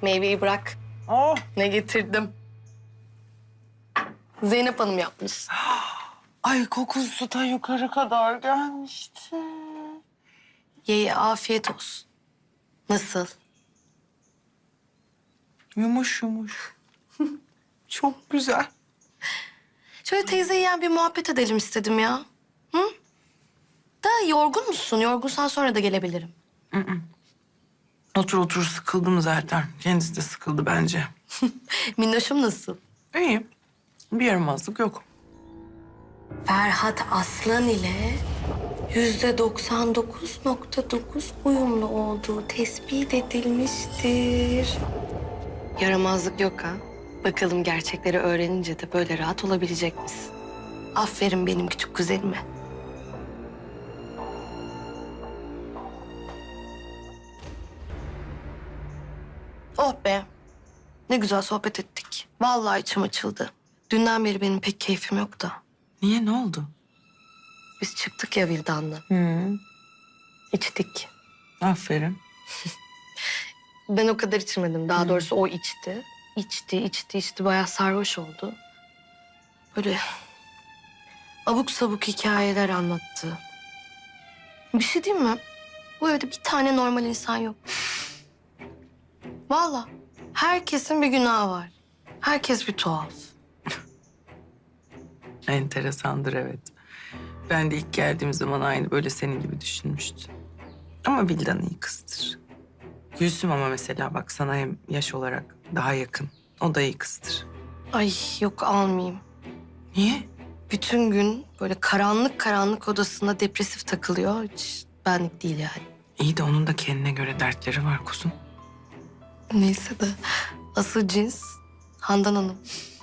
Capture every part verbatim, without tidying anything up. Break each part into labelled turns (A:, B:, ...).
A: Meyveyi bırak.
B: Oh.
A: Ne getirdim? Zeynep Hanım yapmış.
B: Ay kokusu da yukarı kadar gelmişti.
A: Ye ye, afiyet olsun. Nasıl?
B: Yumuş yumuş. Çok güzel.
A: Şöyle teyze yiyen bir muhabbet edelim istedim ya. Hı? Da yorgun musun? Yorgunsan sonra da gelebilirim.
B: Otur otur sıkıldım zaten. Kendisi de sıkıldı bence.
A: Minnoşum nasıl?
B: İyi. Bir yaramazlık yok.
A: Ferhat Aslan ile yüzde doksan dokuz nokta dokuz uyumlu olduğu tespit edilmiştir. Yaramazlık yok ha. Bakalım gerçekleri öğrenince de böyle rahat olabilecek misin? Aferin benim küçük kuzenime. Oh be. Ne güzel sohbet ettik. Vallahi içim açıldı. Dünden beri benim pek keyfim yok da.
B: Niye, ne oldu?
A: Biz çıktık ya Vildan'la.
B: Hı.
A: İçtik.
B: Aferin.
A: Ben o kadar içmedim. Daha doğrusu o içti. İçti, içti, içti. Bayağı sarhoş oldu. Böyle abuk sabuk hikayeler anlattı. Bir şey diyeyim mi? Bu evde bir tane normal insan yok. Vallahi herkesin bir günahı var. Herkes bir tuhaf.
B: Enteresandır, evet. Ben de ilk geldiğim zaman aynı böyle senin gibi düşünmüştüm. Ama Vildan iyi kızdır. Gülsüm ama mesela bak sana hem yaş olarak daha yakın. O da iyi kızdır.
A: Ay yok almayayım.
B: Niye?
A: Bütün gün böyle karanlık karanlık odasında depresif takılıyor. Hiç benlik değil yani.
B: İyi de onun da kendine göre dertleri var kuzum.
A: Neyse de asıl cins Handan Hanım.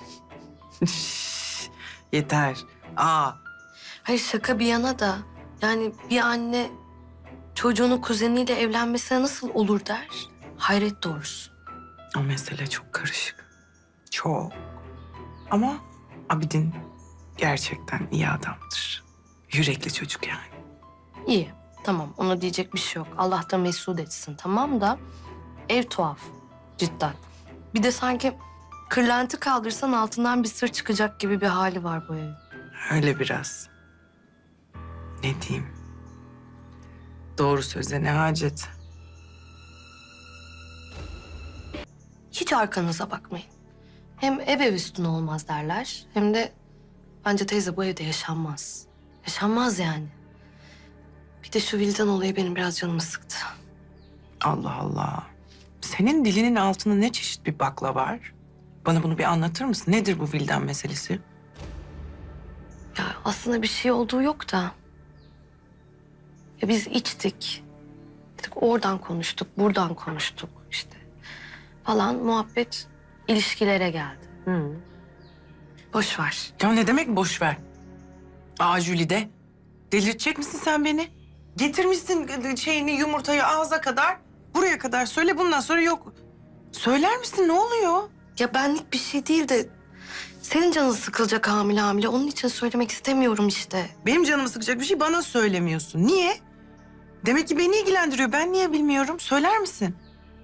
B: Yeter. Aa,
A: Hayır şaka bir yana da yani bir anne çocuğunun kuzeniyle evlenmesine nasıl olur der. Hayret doğrusu.
B: o mesele çok karışık. Çok. Ama Abidin gerçekten iyi adamdır. Yürekli çocuk yani.
A: İyi tamam ona diyecek bir şey yok. Allah da mesut etsin tamam da ev tuhaf cidden. Bir de sanki kırlenti kaldırsan altından bir sır çıkacak gibi bir hali var bu evin.
B: Öyle biraz. Ne diyeyim? Doğru söze ne hacet.
A: Hiç arkanıza bakmayın. Hem ev ev üstüne olmaz derler. Hem de bence teyze bu evde yaşanmaz. Yaşanmaz yani. Bir de şu Vildan olayı benim biraz canımı sıktı.
B: Allah Allah. Senin dilinin altında ne çeşit bir bakla var? Bana bunu bir anlatır mısın? Nedir bu Vildan meselesi?
A: Ya aslında bir şey olduğu yok da. Ya biz içtik. Dedik oradan konuştuk, buradan konuştuk işte. Falan muhabbet ilişkilere geldi. Hı. Boş ver.
B: Ya ne demek boş ver? Aa Jülide, delirtecek misin sen beni? Getirmişsin şeyini, yumurtayı ağza kadar. Buraya kadar söyle, bundan sonra yok. Söyler misin, ne oluyor?
A: Ya benlik bir şey değil de senin canın sıkılacak hamile hamile. Onun için söylemek istemiyorum işte.
B: Benim canımı sıkacak bir şey bana söylemiyorsun. Niye? Demek ki beni ilgilendiriyor. Ben niye bilmiyorum? Söyler misin?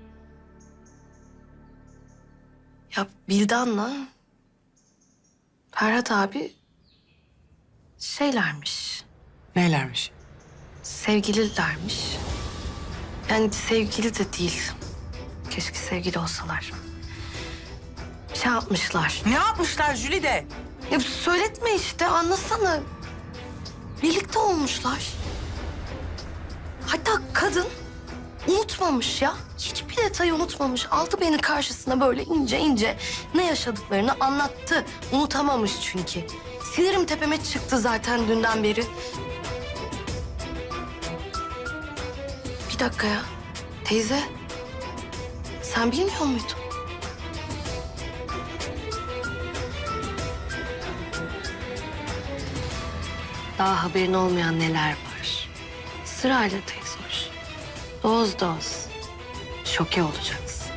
A: Ya Bildan'la Ferhat abi şeylermiş,
B: Neylermiş?
A: sevgililermiş. Yani sevgili de değil. Keşke sevgili olsalar. Şey yapmışlar.
B: Ne yapmışlar Jülide?
A: Ya söyletme işte anlasana. Birlikte olmuşlar. Hatta kadın unutmamış ya. Hiçbir detayı unutmamış. Aldı beni karşısına böyle ince ince ne yaşadıklarını anlattı. Unutamamış çünkü. Sinirim tepeme çıktı zaten dünden beri. Bir dakika ya. Teyze. Sen bilmiyor muydun? Daha haberin olmayan neler var. Sırayla teyze hoş. Doz doz. Şoke olacaksın.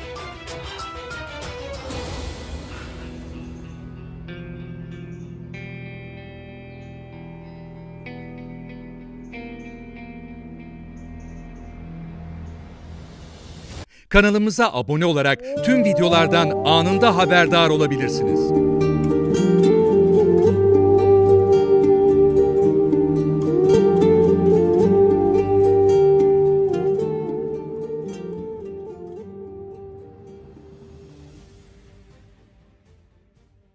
C: Kanalımıza abone olarak tüm videolardan anında haberdar olabilirsiniz.